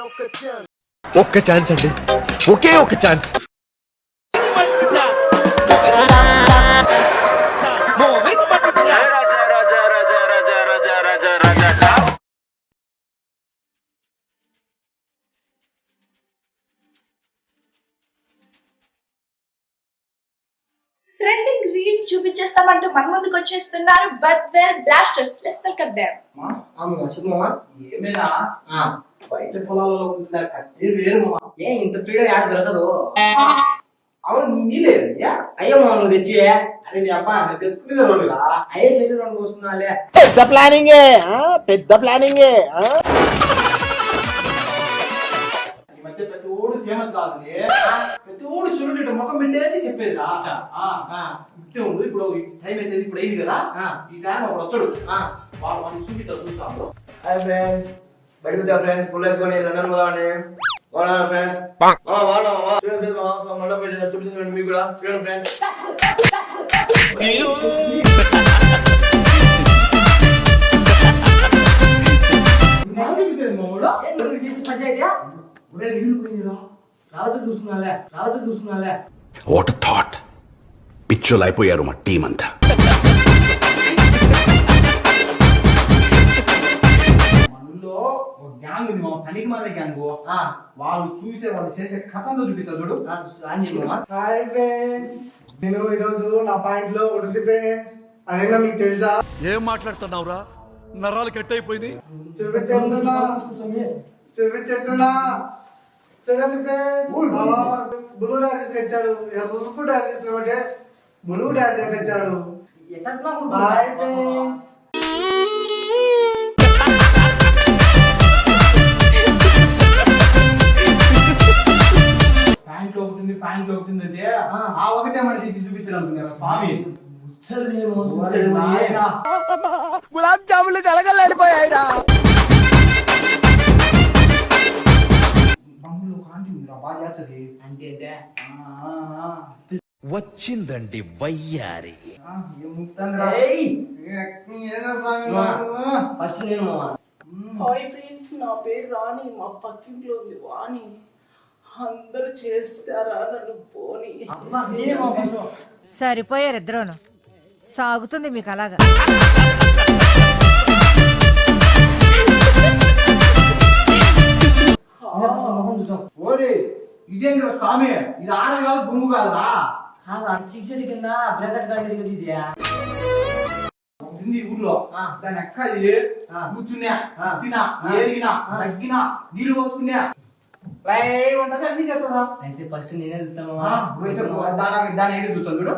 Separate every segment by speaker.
Speaker 1: ఒక్క ఛాన్స్ అండి, ఒకే ఒక ఛాన్స్.
Speaker 2: ట్రెండింగ్ రీల్ చూపించేస్తామంటూ మన ముందుకు వచ్చేస్తున్నారు Badvel Blasters. Let's welcome them.
Speaker 3: ఏమేనా బయట పొలాలలో ఉంటుందా కత్తి వేరు మామ.
Speaker 4: ఏ ఇంత ఫ్రీడమ్ యాడ్ దొరకదు.
Speaker 3: అవును నీలేదయ్యా.
Speaker 4: అయ్యో మామ నువ్వు తెచ్చి
Speaker 3: అరే నీ అబ్బా నేను తెచ్చుకునేది రోజురా.
Speaker 4: అయ్యే చెల్లి రెండు కోసుకున్నాలే.
Speaker 1: పెద్ద ప్లానింగే, పెద్ద ప్లానింగే.
Speaker 3: ఈ మధ్య ప్రతి ఓడు ఫేమస్ కాదు, ప్రతి ఓడు చూడండి ముఖం పెట్టేది చెప్పేదిరా. ఇట్టే ఉండు, ఇప్పుడు టైం అయితే ఇప్పుడు అయింది కదా, ఈ టైం అప్పుడు వచ్చాడు వాళ్ళు చూస్తాము.
Speaker 5: హాయ్ ఫ్రెండ్స్, బయటకు వచ్చా ఫ్రెండ్స్, ఫుల్ వేసుకొని లండన్ పోదామండి. బాగున్నారా ఫ్రెండ్స్? చూడండి ఫ్రెండ్స్, చూపిస్తాను మీకు కూడా. చూడండి ఫ్రెండ్స్,
Speaker 6: వాట్ థాట్, పిచ్చోలు అయిపోయారు మా టీం అంతా.
Speaker 3: మనలో ఒక గ్యాంగ్ ఉంది, మా పనికి మన గ్యాంగ్. వాళ్ళు చూసే వాళ్ళు చేసే కథంతో చూపిస్తా చూడు.
Speaker 5: హాయ్ ఫ్రెండ్స్, నేను ఈరోజు నా పాయింట్ లో ఒకటి ఉంది ఫ్రెండ్స్. అదేనా మీకు తెలుసా?
Speaker 7: ఏం మాట్లాడుతున్నావురా, నరాలు కట్ అయిపోయింది.
Speaker 5: చూపించేస్తున్నా చూడండి ఫ్రెండ్స్, బులు డాన్స్ తెచ్చాడు. ఎరుపు డాన్స్ చేసినామంటే బులు డాన్స్ తెచ్చాడు. హాయ్ ఫ్రెండ్స్,
Speaker 3: ప్యాంట్ ఒకటి అంటే ఆ ఒకటే మన తీసి చూపించడం స్వామి.
Speaker 1: గులాబ్ జాములు కలగలేడిపోయాయిరా. వచ్చిందండి వయ్యారి.
Speaker 4: ఫస్ట్ నేను మామ.
Speaker 2: హాయ్ ఫ్రెండ్స్, నా పేరు రాణి. మా పక్కింట్లో ఉంది వాణి. అందరూ చేస్తారా నన్ను పోని.
Speaker 8: సరిపోయారు ఇద్దరును. సాగుతుంది మీకు అలాగా.
Speaker 3: ఓరే ఇదేం స్వామి, ఇది ఆడది కాదు బొమ్ము కాదురా.
Speaker 4: సిక్స్ కింద బ్రాకెట్ గార్డ్ దిగుతుందియా
Speaker 3: ఊర్లో దాని ఎక్క కూర్చున్నా, తినా, ఏరిగినా, తగ్గినా, నీళ్లు పోసుకున్నా ఉంటది అన్ని చెప్తారా.
Speaker 4: అయితే ఫస్ట్ నేనే చూస్తాను.
Speaker 3: దాని ఏడు చూస్తాను చూడు.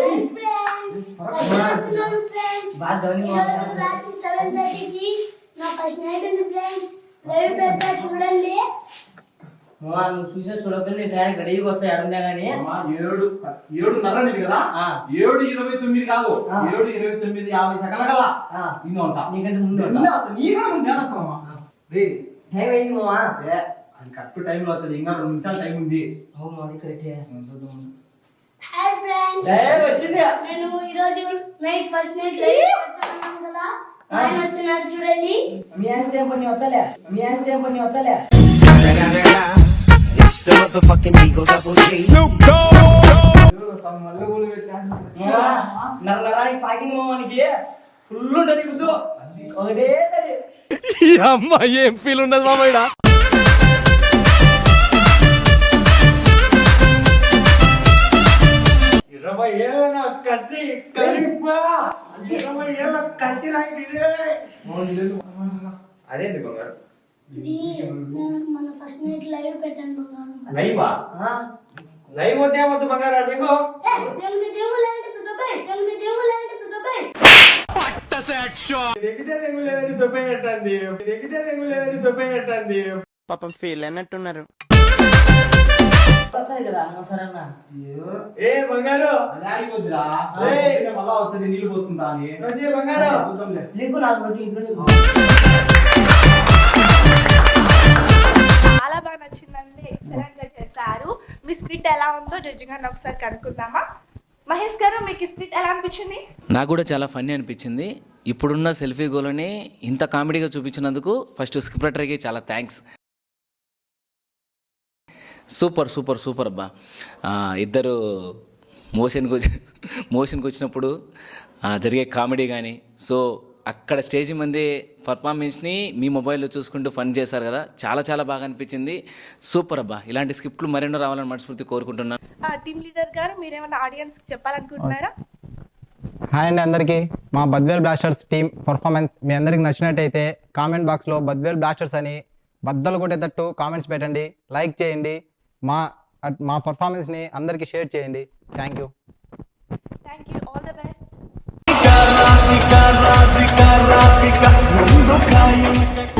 Speaker 4: నువ్వు చూసే చూడకుండా ట్రాక్ రెడీగా వచ్చా ఎడుందా గానీ
Speaker 3: 7:30 కదా, 7:29 కాదు, 7:29:50 సెకండ్ల కల్లా ఇన్ని ఉంటా.
Speaker 4: నీకంటే ముందు టైం అయింది మామా.
Speaker 3: అది కరెక్ట్ టైం లో వచ్చేది, ఇంకా 2 నిమిషాలు టైం ఉంది.
Speaker 9: హాయ్ ఫ్రెండ్స్,
Speaker 4: వచ్చింది.
Speaker 9: నేను ఈ రోజు నైట్ ఫస్ట్ నైట్ లైవ్ పెడతాను కదా, ఆయన వస్తున్నారు చూడండి.
Speaker 4: మీ ఆయన పని వచ్చలే, మీ ఆయన వచ్చలే. నరానికి పాకింది మామానికి ఫుల్ ఉంటుంది గుద్దు. ఒకటే తడి.
Speaker 1: అమ్మ ఏం ఫీల్ ఉండదు మామయ్య.
Speaker 5: 20 ఏళ్ళ కసి కలిపా, 20 ఏళ్ళ కసి అదేంటి బంగారు?
Speaker 9: ఇది మన ఫస్ట్ నైట్ లైవ్ పెట్టాను బంగారు.
Speaker 5: లైవా? లైవ్ వద్దు ఏమొద్దు బంగారు. నీకు
Speaker 9: తెలుగు దేవులంటే దుబాయ్, తెలుగు దేవులంటే దుబాయ్.
Speaker 5: ఎగితే తెగులేదని దుబ్బేటండి, ఎగితే తెగులేదని దుబ్బేటండి.
Speaker 1: పాపం ఫీల్ అన్నట్టున్నారు.
Speaker 4: వచ్చాయి కదా సరన్న.
Speaker 5: ఏ బంగారు
Speaker 3: వద్దురా, మళ్ళా వచ్చేది నీళ్లు పోసుకుంటా అని.
Speaker 5: బంగారు
Speaker 4: లింకు నాకు పెట్టి ఇంట్లో
Speaker 2: చాలా బాగా నచ్చిందండి. ఎక్సలెంట్ గా చేశారు. మీ స్క్రిప్ట్ ఎలా ఉందో జడ్జి గారిని ఒకసారి కనుక్కుందామా? మహేష్ గారు, మీకు స్క్రిప్ట్ ఎలా అనిపించింది?
Speaker 10: నాకు కూడా చాలా ఫన్నీ అనిపించింది. ఇప్పుడున్న సెల్ఫీ గోలని ఇంత కామెడీగా చూపించినందుకు ఫస్ట్ స్క్రిప్ట్ రైటర్కి చాలా థ్యాంక్స్. సూపర్ సూపర్ సూపర్ అబ్బా. ఇద్దరు మోషన్కి వచ్చినప్పుడు జరిగే కామెడీ కానీ, సో అక్కడ స్టేజ్ మంది పర్ఫార్మెన్స్ని మీ మొబైల్లో చూసుకుంటూ ఫన్ చేశారు కదా, చాలా చాలా బాగా అనిపించింది. సూపర్ అబ్బా. ఇలాంటి స్క్రిప్ట్లు మరెన్నో రావాలని మనస్ఫూర్తి కోరుకుంటున్నాను.
Speaker 2: టీమ్ లీడర్ గారు మీరేమైనా ఆడియన్స్ చెప్పాలనుకుంటున్నారా?
Speaker 11: హాయ్ అండి అందరికీ. మా బద్వేల్ బ్లాస్టర్స్ టీం పర్ఫార్మెన్స్ మీ అందరికి నచ్చినట్టయితే కామెంట్ బాక్స్లో బద్వేల్ బ్లాస్టర్స్ అని బద్దలు కొట్టేటట్టు కామెంట్స్ పెట్టండి, లైక్ చేయండి, మా పర్ఫార్మెన్స్ని అందరికీ షేర్ చేయండి. Thank you.
Speaker 2: All the best.